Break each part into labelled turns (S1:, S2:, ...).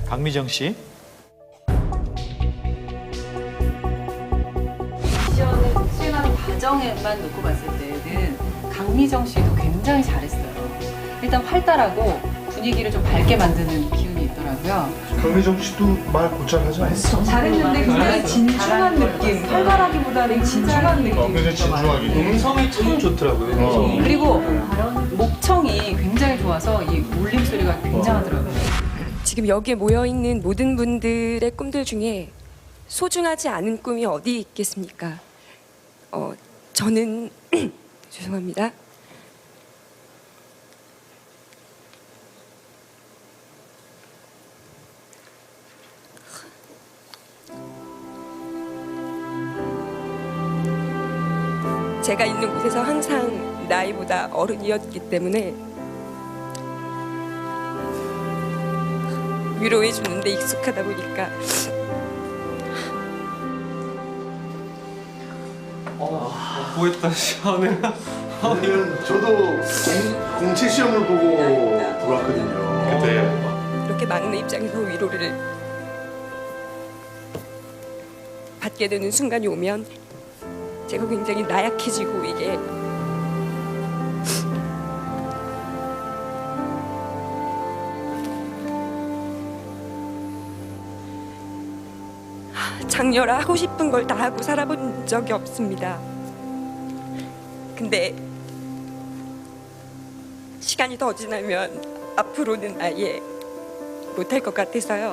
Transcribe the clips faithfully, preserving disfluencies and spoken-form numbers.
S1: 강미정 씨.
S2: 미션을 수행하는 과정에만 놓고 봤을 때는 강미정 씨도 굉장히 잘했어요. 일단 활달하고 분위기를 좀 밝게 만드는 기운이 있더라고요.
S3: 강미정 씨도 말 곧잘 하지 않았어?
S4: 잘했는데 굉장히 진중한 느낌. 활발하기보다는 진중한 느낌.
S3: 어, 굉장히 진중하게.
S5: 음성이 참 좋더라고요.
S3: 어.
S2: 그리고 목청이 굉장히 좋아서 이 울림 소리가 굉장하더라고요.
S6: 지금 여기에 모여있는 모든 분들의 꿈들 중에 소중하지 않은 꿈이 어디 있겠습니까? 어, 저는 죄송합니다. 제가 있는 곳에서 항상 나이보다 어른이었기 때문에 위로해 주는데 익숙하다 보니까
S5: 어, 보였다 시원해.
S3: 왜냐면 저도 공, 공채 시험을 보고 들어왔거든요.
S5: 그때
S6: 이렇게 막내 입장에서 위로를 받게 되는 순간이 오면 제가 굉장히 나약해지고 이게 장녀라 하고 싶은 걸 다 하고 살아본 적이 없습니다. 근데 시간이 더 지나면 앞으로는 아예 못할 것 같아서요.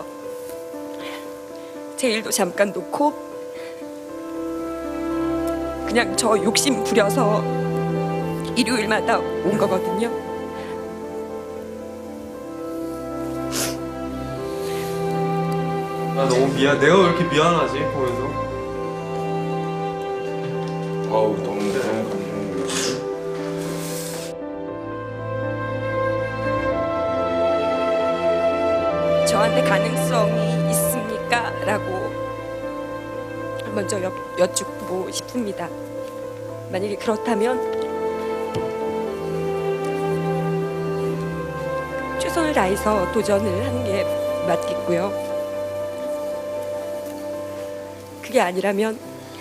S6: 제 일도 잠깐 놓고 그냥 저 욕심 부려서 일요일마다 온 거거든요.
S5: 나 너무 미안. 내가 왜 이렇게 미안하지 보면서.
S3: 아우 너무 너무 감동이에요.
S6: 저한테 가능성이 있습니까? 라고 먼저 여, 여쭙고 싶습니다. 만약에 그렇다면 최선을 다해서 도전을 하는 게 맞겠고요. 그게 아니라면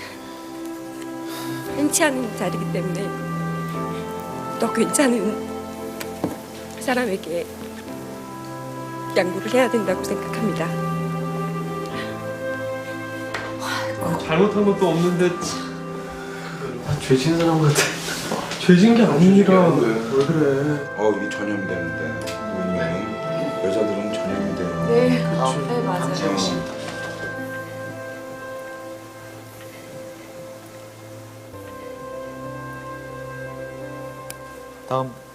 S6: 흔치 않은 자리이기 때문에 더 괜찮은 사람에게 양보를 해야 된다고 생각합니다.
S5: 잘못한 것도 없는데 죄진 사람 같아. 죄진 게 아니라 왜 그래?
S7: 어 이게 전염되는데 분명히 여자들은 전염이 돼요.
S4: 네, 네 맞아요.
S7: 어.
S1: 다음